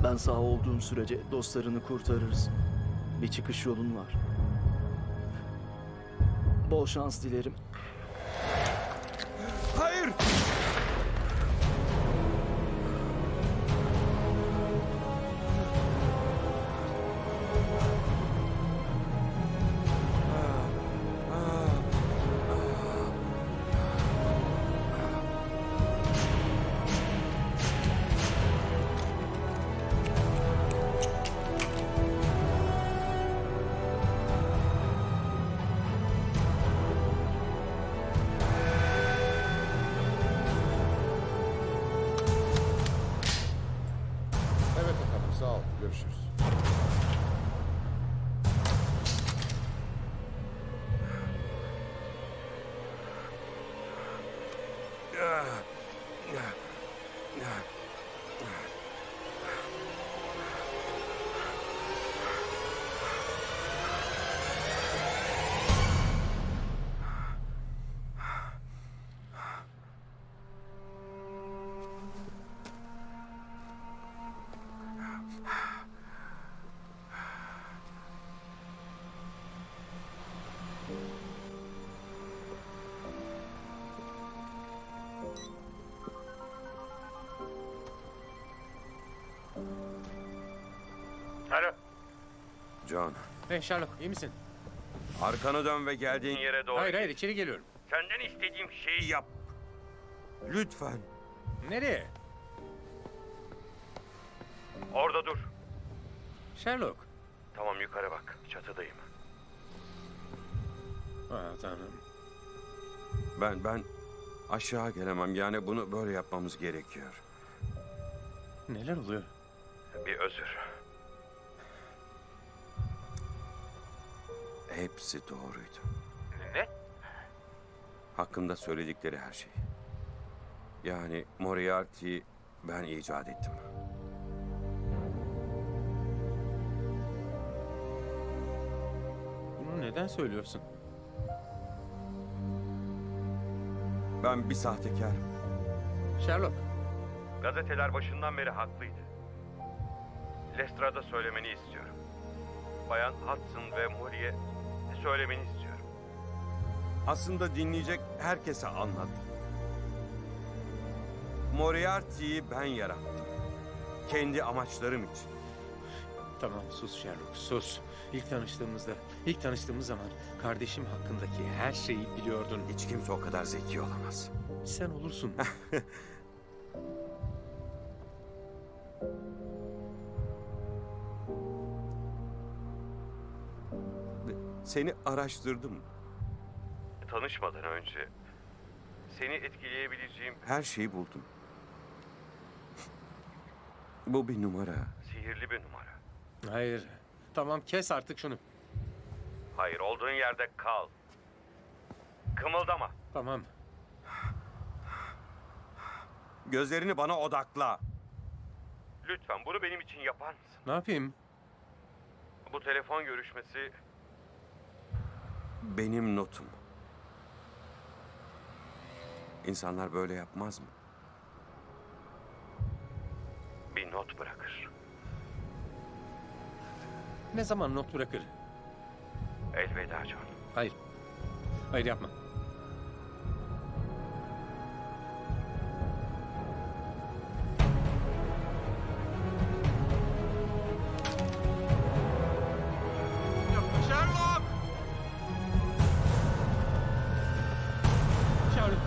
Ben sağ olduğum sürece dostlarını kurtarırız. Bir çıkış yolun var. Bol şans dilerim. Hayır! Evet efendim, sağ ol. Görüşürüz. Alo. John, Hey Sherlock, iyi misin? arkanı dön ve geldiğin yere doğru. Hayır, içeri geliyorum. Senden istediğim şeyi yap. Lütfen. Nereye? Orada dur. Sherlock. Tamam, yukarı bak. Çatıdayım. Tanrım. Ben aşağı gelemem. Yani bunu böyle yapmamız gerekiyor. Neler oluyor? Bir özür. Hepsi doğruydu. Ne? Hakkımda söyledikleri her şey. Yani Moriarty'yi ben icat ettim. Bunu neden söylüyorsun? Ben bir sahtekarım. Sherlock. Gazeteler başından beri haklıydı. Lestrada söylemeni istiyorum. Bayan Hudson ve Molly'e söylemeni istiyorum. Aslında dinleyecek herkese anlat. Moriarty'yi ben yarattım. Kendi amaçlarım için. Tamam, sus Sherlock, sus. İlk tanıştığımız zaman kardeşim hakkındaki her şeyi biliyordun. Hiç kimse o kadar zeki olamaz. Sen olursun. Seni araştırdım. Tanışmadan önce seni etkileyebileceğim her şeyi buldum. Bu bir numara. Sihirli bir numara. Hayır. Tamam, kes artık şunu. Hayır, olduğun yerde kal. Kımıldama. Tamam. Gözlerini bana odakla. Lütfen bunu benim için yapar mısın? Ne yapayım? Bu telefon görüşmesi benim notum. İnsanlar böyle yapmaz mı? Bir not bırakır. Ne zaman not bırakır? Elveda John. Hayır. Hayır, yapma. Sherlock! Sherlock!